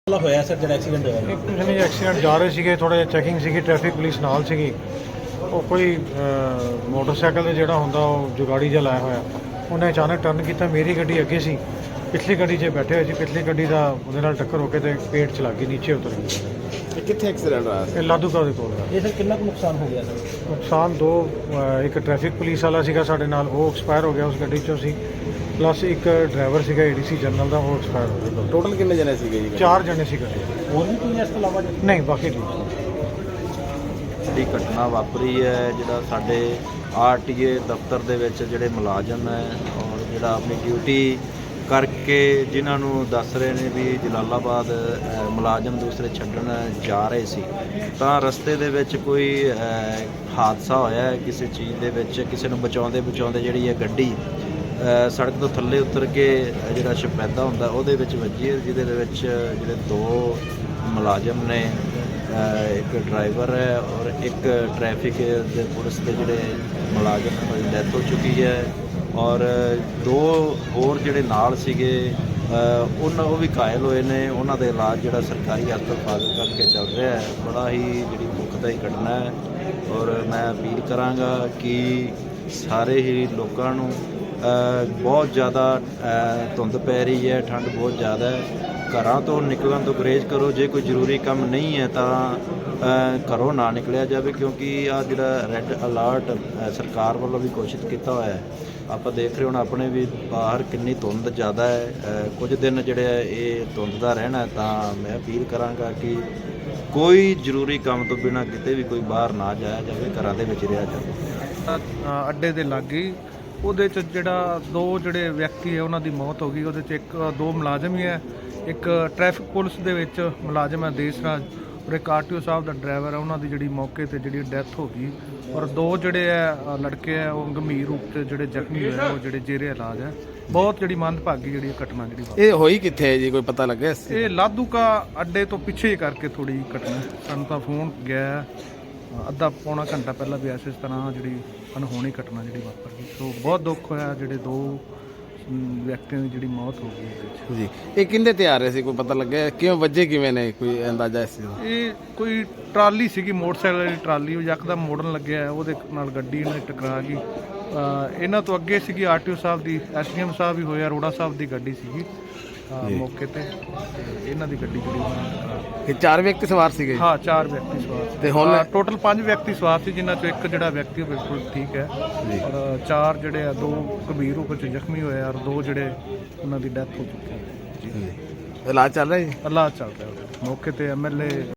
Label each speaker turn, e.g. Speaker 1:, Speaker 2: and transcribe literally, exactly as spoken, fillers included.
Speaker 1: ਹੋਇਆ ਸਰ ਜਿਹੜਾ ਐਕਸੀਡੈਂਟ ਹੋਇਆ
Speaker 2: ਇੱਕ ਕੁਝ ਨਹੀਂ ਐਕਸੀਡੈਂਟ ਜਾ ਰਹੇ ਸੀਗੇ, ਥੋੜ੍ਹਾ ਜਿਹਾ ਚੈਕਿੰਗ ਸੀਗੀ, ਟ੍ਰੈਫਿਕ ਪੁਲਿਸ ਨਾਲ ਸੀਗੀ। ਉਹ ਕੋਈ ਅਹ, ਮੋਟਰਸਾਈਕਲ ਤੇ ਜਿਹੜਾ ਹੁੰਦਾ ਉਹ ਜੁਗਾੜੀ ਜਿਹਾ ਲਾਇਆ ਹੋਇਆ, ਉਹਨੇ ਅਚਾਨਕ ਟਰਨ ਕੀਤਾ। ਮੇਰੀ ਗੱਡੀ ਅੱਗੇ ਸੀ, ਪਿਛਲੀ ਗੱਡੀ 'ਚ ਬੈਠੇ ਹੋਏ ਸੀ। ਪਿਛਲੀ ਗੱਡੀ ਦਾ ਉਹਦੇ ਨਾਲ ਟੱਕਰ ਹੋ ਕੇ ਤੇ ਪੇਟ 'ਚ ਲੱਗ ਗਈ, ਨੀਚੇ ਉਤਰ ਗਈ।
Speaker 3: ਇਹ ਕਿੱਥੇ ਐਕਸੀਡੈਂਟ ਹੋਇਆ?
Speaker 2: ਇਹ ਲਾਧੂਕਾ ਦੇ ਕੋਲ ਹੈ।
Speaker 1: ਇਹ ਸਰ ਕਿੰਨਾ ਕੁ ਨੁਕਸਾਨ ਹੋ ਗਿਆ ਸਰ?
Speaker 2: ਨੁਕਸਾਨ ਦੋ, ਅਹ, ਇੱਕ ਟ੍ਰੈਫਿਕ ਪੁਲਿਸ ਵਾਲਾ ਸੀਗਾ ਸਾਡੇ ਨਾਲ, ਉਹ ਐਕਸਪਾਇਰ ਹੋ ਗਿਆ ਉਸ ਗੱਡੀ 'ਚੋਂ ਸੀ। ਪਲੱਸ ਇੱਕ ਡਰਾਈਵਰ ਸੀਗਾ ਏਡੀਸੀ ਜਨਰਲ ਦਾ, ਉਹ ਐਕਸਪਾਇਰ ਹੋ ਗਿਆ।
Speaker 3: ਟੋਟਲ ਕਿੰਨੇ ਜਣੇ ਸੀਗੇ ਜੀ?
Speaker 2: ਚਾਰ ਜਣੇ ਸੀ ਗੱਡੀ 'ਚ।
Speaker 1: ਹੋਰ ਵੀ ਕੋਈ ਇਸ ਤੋਂ ਇਲਾਵਾ ਜੀ?
Speaker 2: ਨਹੀਂ, ਬਾਕੀ ਠੀਕ।
Speaker 4: ਜਿਹੜੀ ਘਟਨਾ ਵਾਪਰੀ ਹੈ, ਜਿਹੜਾ ਸਾਡੇ ਆਰ ਟੀ ਏ ਦਫ਼ਤਰ ਦੇ ਵਿੱਚ ਜਿਹੜੇ ਮੁਲਾਜ਼ਮ ਹੈ ਔਰ ਜਿਹੜਾ ਆਪਣੀ ਡਿਊਟੀ ਕਰਕੇ ਜਿਨ੍ਹਾਂ ਨੂੰ ਦੱਸ ਰਹੇ ਨੇ ਵੀ ਜਲਾਲਾਬਾਦ ਅ, ਮੁਲਾਜ਼ਮ ਦੂਸਰੇ ਛੱਡਣ ਜਾ ਰਹੇ ਸੀ, ਤਾਂ ਰਸਤੇ ਦੇ ਵਿੱਚ ਕੋਈ ਅ, ਹਾਦਸਾ ਹੋਇਆ ਹੈ। ਕਿਸੇ ਚੀਜ਼ ਦੇ ਵਿੱਚ ਕਿਸੇ ਨੂੰ ਬਚਾਉਂਦੇ ਬਚਾਉਂਦੇ ਜਿਹੜੀ ਇਹ ਗੱਡੀ ਅ, ਸੜਕ ਤੋਂ ਥੱਲੇ ਉਤਰ ਕੇ ਅ, ਜਿਹੜਾ ਸ਼ਪੈਦਾ ਹੁੰਦਾ ਉਹਦੇ ਵਿੱਚ ਵੱਜੀ ਹੈ, ਜਿਹਦੇ ਦੇ ਵਿੱਚ ਜਿਹੜੇ ਦੋ ਮੁਲਾਜ਼ਮ ਨੇ, ਇੱਕ ਡਰਾਈਵਰ ਹੈ ਔਰ ਇੱਕ ਟ੍ਰੈਫਿਕ ਦੇ ਪੁਲਿਸ ਦੇ ਜਿਹੜੇ ਮੁਲਾਜ਼ਮ ਨੇ, ਉਹਦੀ ਡੈਥ ਹੋ ਚੁੱਕੀ ਹੈ। ਔਰ ਦੋ ਹੋਰ ਜਿਹੜੇ ਨਾਲ ਸੀਗੇ ਉਹਨਾਂ ਉਹ ਵੀ ਘਾਇਲ ਹੋਏ ਨੇ। ਉਹਨਾਂ ਦਾ ਇਲਾਜ ਜਿਹੜਾ ਸਰਕਾਰੀ ਹਸਪਤਾਲ ਫਾਜ਼ਿਲਕਾ ਕਰਕੇ ਚੱਲ ਰਿਹਾ ਹੈ। ਬੜਾ ਹੀ ਜਿਹੜੀ ਦੁਖਦਾਈ ਘਟਨਾ ਹੈ ਔਰ ਮੈਂ ਅਪੀਲ ਕਰਾਂਗਾ ਕਿ ਸਾਰੇ ਹੀ ਲੋਕਾਂ ਨੂੰ ਬਹੁਤ ਜ਼ਿਆਦਾ ਧੁੰਦ ਪੈ ਰਹੀ ਹੈ, ਠੰਡ ਬਹੁਤ ਜ਼ਿਆਦਾ ਹੈ, ਘਰਾਂ ਤੋਂ ਨਿਕਲਣ ਤੋਂ ਗੁਰੇਜ਼ ਕਰੋ। ਜੇ ਕੋਈ ਜ਼ਰੂਰੀ ਕੰਮ ਨਹੀਂ ਹੈ ਤਾਂ ਘਰੋਂ ਨਾ ਨਿਕਲਿਆ ਜਾਵੇ, ਕਿਉਂਕਿ ਆ ਜਿਹੜਾ ਰੈੱਡ ਅਲਰਟ ਸਰਕਾਰ ਵੱਲੋਂ ਵੀ ਘੋਸ਼ਿਤ ਕੀਤਾ ਹੋਇਆ ਹੈ। ਆਪਾਂ ਦੇਖ ਰਹੇ ਹੁਣ ਆਪਣੇ ਵੀ ਬਾਹਰ ਕਿੰਨੀ ਧੁੰਦ ਜ਼ਿਆਦਾ ਹੈ। ਕੁਝ ਦਿਨ ਜਿਹੜੇ ਇਹ ਧੁੰਦ ਦਾ ਰਹਿਣਾ, ਤਾਂ ਮੈਂ ਅਪੀਲ ਕਰਾਂਗਾ ਕਿ ਕੋਈ ਜ਼ਰੂਰੀ ਕੰਮ ਤੋਂ ਬਿਨਾਂ ਕਿਤੇ ਵੀ ਕੋਈ ਬਾਹਰ ਨਾ ਜਾਇਆ ਜਾਵੇ, ਘਰਾਂ ਦੇ ਵਿੱਚ ਰਿਹਾ ਜਾਵੇ।
Speaker 5: ਅੱਡੇ ਦੇ ਲਾਗੇ ਉਹਦੇ 'ਚ ਜਿਹੜਾ ਦੋ ਜਿਹੜੇ ਵਿਅਕਤੀ ਹੈ ਉਹਨਾਂ ਦੀ ਮੌਤ ਹੋ ਗਈ। ਉਹਦੇ 'ਚ ਇੱਕ ਦੋ ਮੁਲਾਜ਼ਮ ਹੀ ਹੈ, ਇੱਕ ਟ੍ਰੈਫਿਕ ਪੁਲਿਸ ਦੇ ਵਿੱਚ ਮੁਲਾਜ਼ਮ ਹੈ ਦੇਸਰਾਜ, ਔਰ ਇੱਕ ਆਰ ਟੀ ਓ ਸਾਹਿਬ ਦਾ ਡਰਾਈਵਰ ਹੈ, ਉਹਨਾਂ ਦੀ ਜਿਹੜੀ ਮੌਕੇ 'ਤੇ ਜਿਹੜੀ ਡੈਥ ਹੋ ਗਈ। ਔਰ ਦੋ ਜਿਹੜੇ ਹੈ ਲੜਕੇ ਹੈ ਉਹ ਗੰਭੀਰ ਰੂਪ 'ਚ ਜਿਹੜੇ ਜ਼ਖਮੀ ਹੋਏ, ਉਹ ਜਿਹੜੇ ਜੇਰੇ ਇਲਾਜ ਹੈ। ਬਹੁਤ ਜਿਹੜੀ ਮੰਦਭਾਗੀ ਜਿਹੜੀ ਘਟਨਾ ਜਿਹੜੀ ਵਾਪਰੀ।
Speaker 3: ਇਹ ਹੋਈ ਕਿੱਥੇ ਹੈ ਜੀ, ਕੋਈ ਪਤਾ ਲੱਗਿਆ?
Speaker 5: ਇਹ ਲਾਧੂਕਾ ਅੱਡੇ ਤੋਂ ਪਿੱਛੇ ਕਰਕੇ ਥੋੜੀ ਘਟਨਾ, ਸਾਨੂੰ ਤਾਂ ਫੋਨ ਗਿਆ ਅੱਧਾ ਪੌਣਾ ਘੰਟਾ ਪਹਿਲਾਂ ਵੀ ਐਸ ਇਸ ਤਰ੍ਹਾਂ ਜਿਹੜੀ ਅਨਹੋਣੀ ਘਟਨਾ ਜਿਹੜੀ ਵਾਪਰ ਗਈ। ਸੋ ਬਹੁਤ ਦੁੱਖ ਹੋਇਆ, ਜਿਹੜੇ ਦੋ ਵਿਅਕਤੀਆਂ ਦੀ ਜਿਹੜੀ ਮੌਤ ਹੋ ਗਈ ਇਹਦੇ ਵਿੱਚ।
Speaker 3: ਜੀ ਇਹ ਕਿੰਦੇ ਤੇ ਆ ਰਹੇ ਸੀ, ਕੋਈ ਪਤਾ ਲੱਗਿਆ? ਕਿਉਂ ਵੱਜੇ ਕਿਵੇਂ ਨੇ, ਕੋਈ ਅੰਦਾਜ਼ਾ ਇਸ ਚੀਜ਼ ਦਾ?
Speaker 5: ਇਹ ਕੋਈ ਟਰਾਲੀ ਸੀਗੀ, ਮੋਟਰਸਾਈਕਲ ਵਾਲੀ ਟਰਾਲੀ, ਉਹ ਯਕਦਮ ਮੋੜਨ ਲੱਗਿਆ, ਉਹਦੇ ਨਾਲ ਗੱਡੀ ਨਾਲ ਟਕਰਾ ਗਈ। ਇਹਨਾਂ ਤੋਂ ਅੱਗੇ ਸੀਗੀ ਆਰ ਟੀ ਓ ਸਾਹਿਬ ਦੀ, ਐਸ ਡੀ ਐਮ ਸਾਹਿਬ ਵੀ ਹੋਏ, ਅਰੋੜਾ ਸਾਹਿਬ ਦੀ ਗੱਡੀ ਸੀਗੀ ਮੌਕੇ ਤੇ, ਇਹਨਾਂ ਦੀ ਗੱਡੀ ਜਿਹੜੀ ਉਹਨਾਂ ਨਾਲ ਟਕਰਾ ਗਈ।
Speaker 3: ਇਹ ਚਾਰ ਵਿਅਕਤੀ ਸਵਾਰ ਸੀਗੇ?
Speaker 5: ਹਾਂ, ਚਾਰ ਵਿਅਕਤੀ ਸਵਾਰ ਸੀ।
Speaker 3: ਤੇ ਹੁਣ
Speaker 5: ਟੋਟਲ ਪੰਜ ਵਿਅਕਤੀ ਸਵਾਰ ਸੀ, ਜਿਨ੍ਹਾਂ ਚੋਂ ਇੱਕ ਜਿਹੜਾ ਵਿਅਕਤੀ ਉਹ ਬਿਲਕੁਲ ਠੀਕ ਹੈ, ਔਰ ਚਾਰ ਜਿਹੜੇ ਆ, ਦੋ ਗੰਭੀਰ ਰੂਪ ਵਿੱਚ ਜ਼ਖਮੀ ਹੋਏ ਔਰ ਦੋ ਜਿਹੜੇ ਉਹਨਾਂ ਦੀ ਡੈਥ ਹੋ ਚੁੱਕੀ ਹੈ।
Speaker 3: ਇਲਾਜ ਚੱਲ ਰਿਹਾ ਜੀ?
Speaker 5: ਇਲਾਜ ਚੱਲ ਰਿਹਾ ਮੌਕੇ ਤੇ ਐਮ ਐਲ ਏ